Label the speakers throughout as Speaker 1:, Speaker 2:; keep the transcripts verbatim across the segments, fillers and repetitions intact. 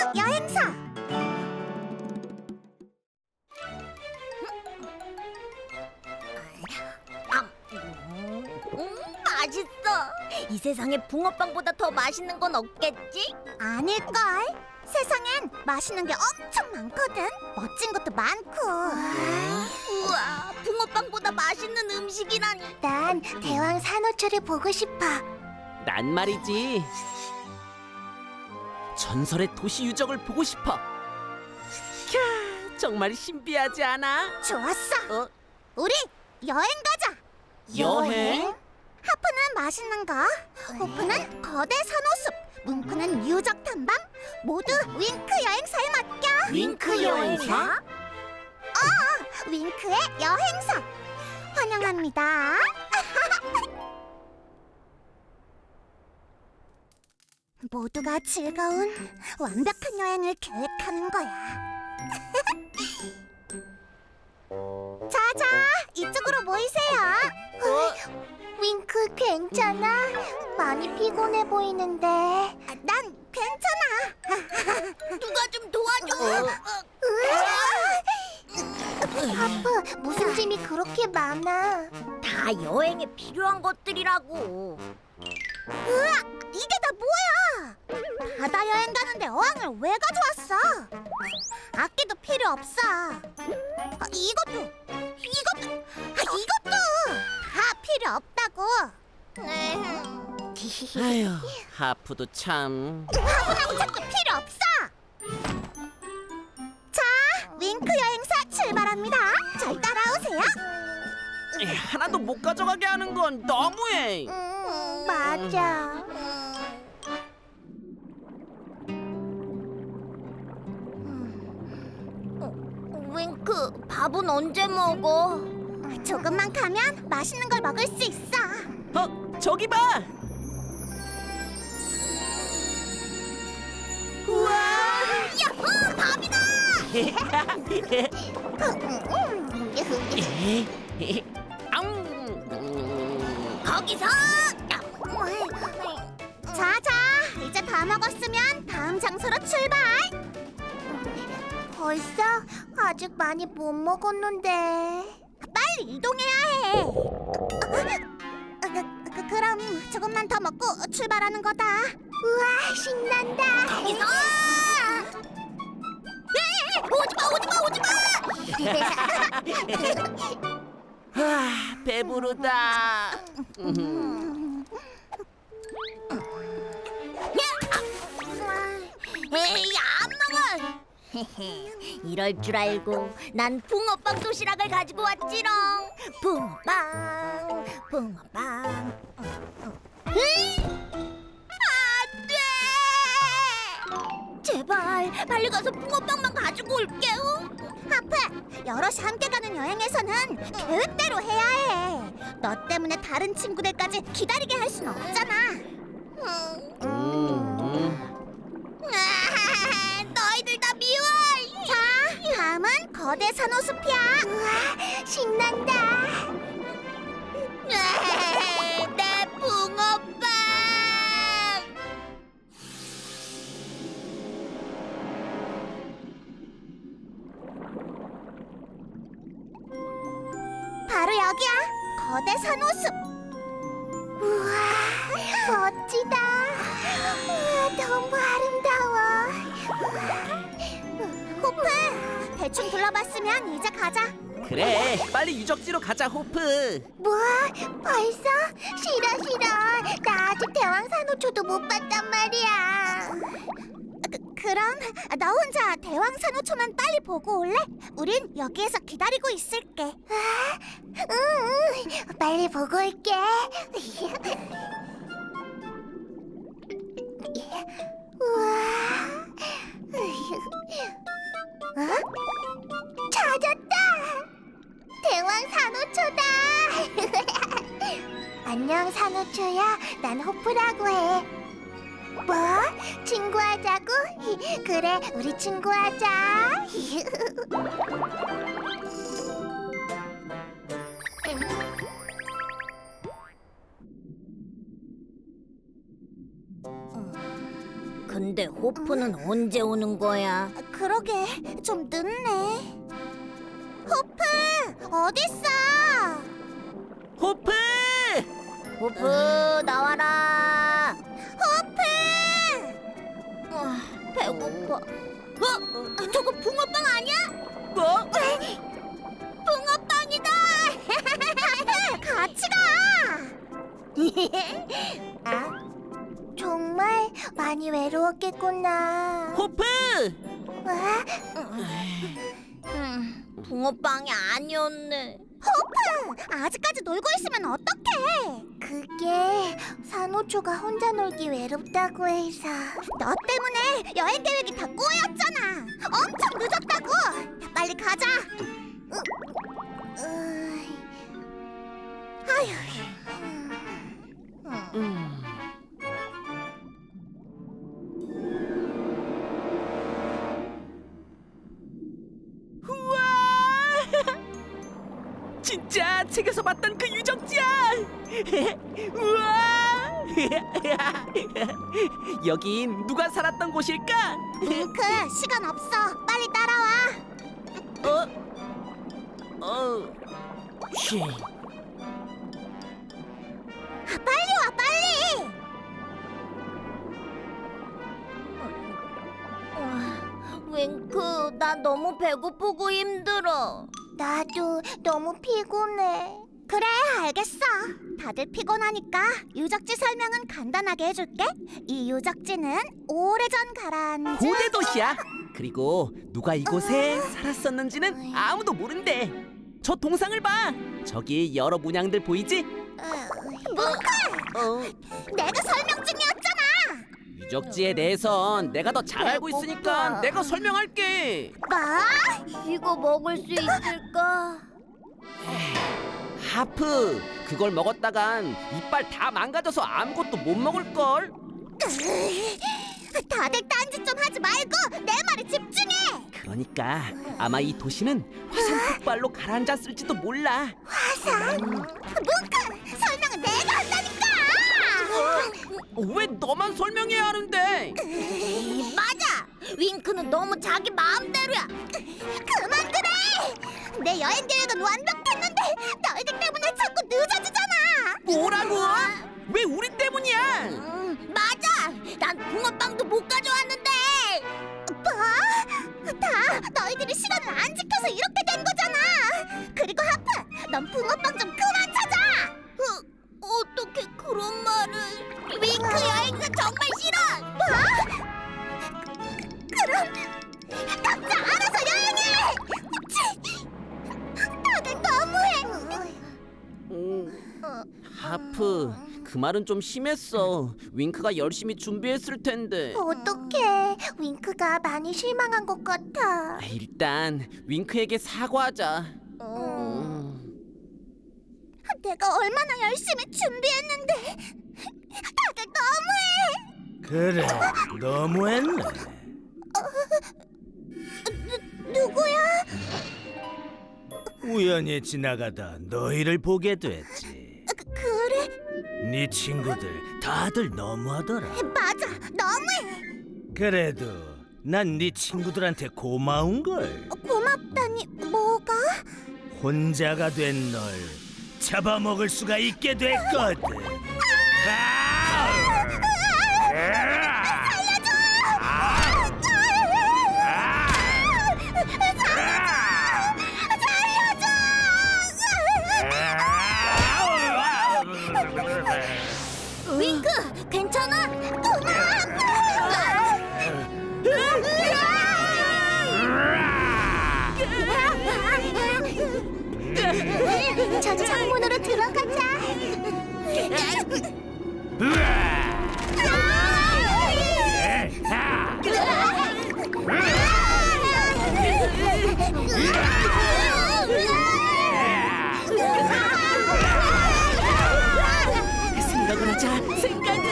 Speaker 1: 여행사.
Speaker 2: 음, 맛있어. 이 세상에 붕어빵보다 더 맛있는 건 없겠지?
Speaker 1: 아닐걸? 세상엔 맛있는 게 엄청 많거든. 멋진 것도 많고.
Speaker 2: 우와, 붕어빵보다 맛있는 음식이라니.
Speaker 1: 난 대왕 산호초를 보고 싶어.
Speaker 3: 난 말이지. 전설의 도시 유적을 보고 싶어. 캬, 정말 신비하지 않아?
Speaker 1: 좋았어.
Speaker 3: 어?
Speaker 1: 우리 여행 가자.
Speaker 3: 여행?
Speaker 1: 하프는 맛있는 거, 호프는 거대 산호숲, 뭉크는 유적 탐방. 모두 윙크 여행사에 맡겨.
Speaker 3: 윙크 여행사?
Speaker 1: 어, 윙크의 여행사. 환영합니다. 모두가 즐거운 완벽한 여행을 계획하는 거야. 자자, 이쪽으로 모이세요. 윙크 괜찮아? 많이 피곤해 보이는데. 난 괜찮아.
Speaker 2: 누가 좀 도와줘.
Speaker 1: 하프, 무슨 짐이 그렇게 많아?
Speaker 2: 다 여행에 필요한 것들이라고.
Speaker 1: 으아, 이게 다 뭐야? 바다 여행 가는데 어항을 왜 가져왔어? 악기도 필요 없어. 아, 이것도, 이것도, 아, 이것도 다 필요 없다고.
Speaker 3: 아휴, 하프도 참.
Speaker 1: 화분하고 책도 필요 없어. 자, 윙크 여행사 출발합니다. 절 따라오세요.
Speaker 3: 에이, 하나도 못 가져가게 하는 건 너무해.
Speaker 1: 음, 맞아.
Speaker 2: 윙크, 밥은 언제 먹어?
Speaker 1: 조금만 가면 맛있는 걸 먹을 수 있어.
Speaker 3: 어, 저기 봐. 우와!
Speaker 2: 야호, 밥이다!
Speaker 3: 음.
Speaker 2: 거기서!
Speaker 1: 자자, 이제 다 먹었으면 다음 장소로 출발. 벌써? 아직 많이 못 먹었는데. 빨리 이동해야 해. 그, 그, 그럼 조금만 더 먹고 출발하는 거다. 우와, 신난다.
Speaker 2: 거기서! 오지마, 오지마, 오지마!
Speaker 3: 아, 배부르다. 음.
Speaker 2: 에이, 안 먹어! 이럴 줄 알고 난 붕어빵 도시락을 가지고 왔지롱. 붕어빵, 붕어빵. 으이! 안 돼! 제발 빨리 가서 붕어빵만 가지고 올게요.
Speaker 1: 하프, 여럿이 함께 가는 여행에서는 계획대로 해야 해. 너 때문에 다른 친구들까지 기다리게 할 순 없잖아.
Speaker 2: 음.
Speaker 3: 음.
Speaker 2: 아, 너희들 다 미워.
Speaker 1: 자, 다음은 거대 산호숲이야. 우와, 신난다.
Speaker 2: 아, 내 붕어빵.
Speaker 1: 바로 여기야. 거대 산호숲. 우와, 멋지다. 우와, 너무 아름다워. 호프, 대충 둘러봤으면 이제 가자.
Speaker 3: 그래, 빨리 유적지로 가자, 호프.
Speaker 1: 뭐? 벌써? 싫어 싫어. 나 아직 대왕산호초도 못 봤단 말이야. 그, 그럼 너 혼자 대왕산호초만 빨리 보고 올래? 우린 여기에서 기다리고 있을게. 아, 응, 응. 빨리 보고 올게. 우와. 어? 찾았다. 대왕 산호초다. 안녕 산호초야. 난 호프라고 해. 뭐? 친구하자고? 그래, 우리 친구하자.
Speaker 2: 근데 호프는 언제 오는 거야?
Speaker 1: 그러게 좀 늦네. 호프 어딨어?
Speaker 3: 호프!
Speaker 2: 호프 나와라.
Speaker 1: 호프!
Speaker 2: 아, 배고파. 어? 저거 붕어빵 아니야?
Speaker 3: 뭐?
Speaker 2: 붕어빵이다.
Speaker 1: 같이 가. 아, 정말 많이 외로웠겠구나.
Speaker 3: 호프!
Speaker 1: 와,
Speaker 2: 음, 붕어빵이 아니었네.
Speaker 1: 호프! 아직까지 놀고 있으면 어떡해? 그게 산호초가 혼자 놀기 외롭다고 해서. 너 때문에 여행 계획이 다 꼬였잖아. 엄청 늦었다고. 빨리 가자. 으, 으, 아휴. 음.
Speaker 3: 음. 우와! 진짜 책에서 봤던 그 유적지야! 우와! 여긴 누가 살았던 곳일까?
Speaker 1: 윙크, 시간 없어. 빨리 따라와.
Speaker 3: 어? 어? 쉬.
Speaker 1: 아, 빨리 와, 빨리.
Speaker 2: 윙크, 나 너무 배고프고 힘들어.
Speaker 1: 나도 너무 피곤해. 그래, 알겠어. 다들 피곤하니까 유적지 설명은 간단하게 해줄게. 이 유적지는 오래전 가라앉은
Speaker 3: 고대 도시야. 그리고 누가 이곳에 살았었는지는 아무도 모른대. 저 동상을 봐. 저기 여러 문양들 보이지?
Speaker 1: 뭉크!
Speaker 3: 어,
Speaker 1: 내가 설명 중이었잖아.
Speaker 3: 유적지에 대해선 내가 더 잘 알고 있으니까 내가 설명할게.
Speaker 1: 뭐?
Speaker 2: 이거 먹을 수 있을까?
Speaker 3: 하프, 그걸 먹었다간 이빨 다 망가져서 아무것도 못 먹을 걸.
Speaker 1: 다들 딴짓 좀 하지 말고 내 말에 집중해.
Speaker 3: 그러니까 아마 이 도시는 화산 폭발로 가라앉았을지도 몰라.
Speaker 1: 화산? 뭉크! 설명은 내가 한다니까.
Speaker 3: 어, 왜 너만 설명해야 하는데?
Speaker 2: 맞아. 윙크는 너무 자기 마음대로야.
Speaker 1: 그만 그래. 내 여행 계획은 완벽했는데 너희들 때문에 자꾸 늦어지잖아.
Speaker 3: 뭐라고? 왜 우리 때문이야?
Speaker 2: 음, 맞아. 난 붕어빵도 못 가져왔는데.
Speaker 1: 뭐? 다 너희들이 시간을 안 지켜서 이렇게 된 거잖아. 그리고 하프, 넌 붕어빵 좀 그만 찾아.
Speaker 2: 어, 어떻게 그런 말을? 윙크 여행사 정말 싫어.
Speaker 1: 뭐? 그럼 각자 알아서 여행해. 치! 다들 너무해.
Speaker 3: 음, 하프, 그 말은 좀 심했어. 윙크가 열심히 준비했을 텐데.
Speaker 1: 어떡해. 윙크가 많이 실망한 것 같아.
Speaker 3: 아, 일단 윙크에게 사과하자.
Speaker 1: 음. 내가 얼마나 열심히 준비했는데 다들 너무해.
Speaker 4: 그래, 너무했네.
Speaker 1: 누구야?
Speaker 4: 우연히 지나가다 너희를 보게 됐지.
Speaker 1: 그, 그래?
Speaker 4: 네 친구들 다들 너무하더라.
Speaker 1: 맞아, 너무해.
Speaker 4: 그래도 난 네 친구들한테 고마운 걸.
Speaker 1: 고맙다니 뭐가?
Speaker 4: 혼자가 된 널 잡아먹을 수가 있게 됐거든. 아우!
Speaker 1: 살려줘!
Speaker 2: 윙크, 괜찮아?
Speaker 1: 저 창문으로 들어가자.
Speaker 3: 생각을 하자. 생각을.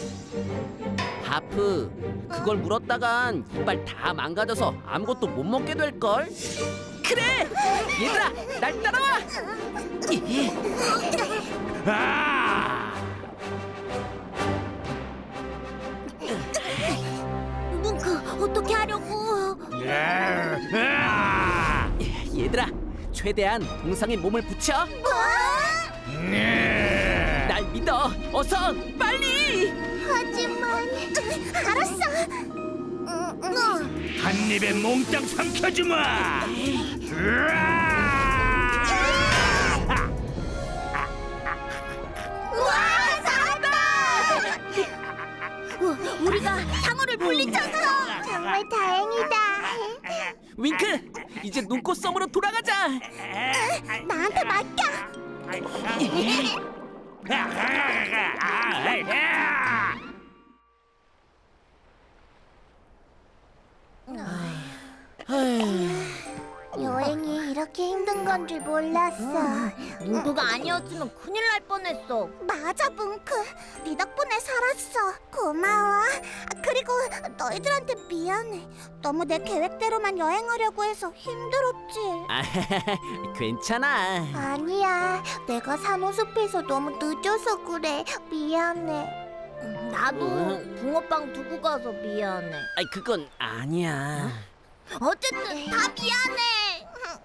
Speaker 3: 하프, 그걸 물었다간 이빨 다 망가져서 아무것도 못 먹게 될 걸. 그래, 얘들아, 날 따라와. 예.
Speaker 4: 아!
Speaker 2: 어떻게 하려고?
Speaker 3: 얘들아, 최대한 동상에 몸을 붙여. 날 믿어. 어서 빨리.
Speaker 1: 하지만 알았어.
Speaker 4: 한 입에 몽땅 삼켜주마.
Speaker 1: 와, 살았다!
Speaker 2: 우, 우리가 상어를 물리쳤어.
Speaker 1: 정말 다행이다.
Speaker 3: 윙크, 이제 눈꽃 섬으로 돌아가자.
Speaker 1: 나한테 맡겨. 여행이 이렇게 힘든 건 줄 몰랐어.
Speaker 2: 뭉크가 아니었으면 큰일 날 뻔했어.
Speaker 1: 맞아, 뭉크. 네 덕분에 살았어. 고마워. 그리고 너희들한테 미안해. 너무 내 계획대로만 여행하려고 해서 힘들었지.
Speaker 3: 아, 괜찮아.
Speaker 1: 아니야. 내가 산호숲에서 너무 늦어서 그래. 미안해.
Speaker 2: 나도
Speaker 3: 응?
Speaker 2: 붕어빵 두고 가서 미안해.
Speaker 3: 아이, 그건 아니야.
Speaker 2: 어쨌든 다 미안해.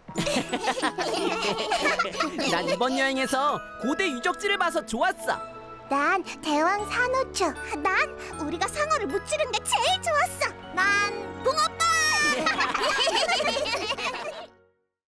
Speaker 3: 난 이번 여행에서 고대 유적지를 봐서 좋았어.
Speaker 1: 난 대왕 산호초. 난 우리가 상어를 무찌른 게 제일 좋았어. 난 붕어빵.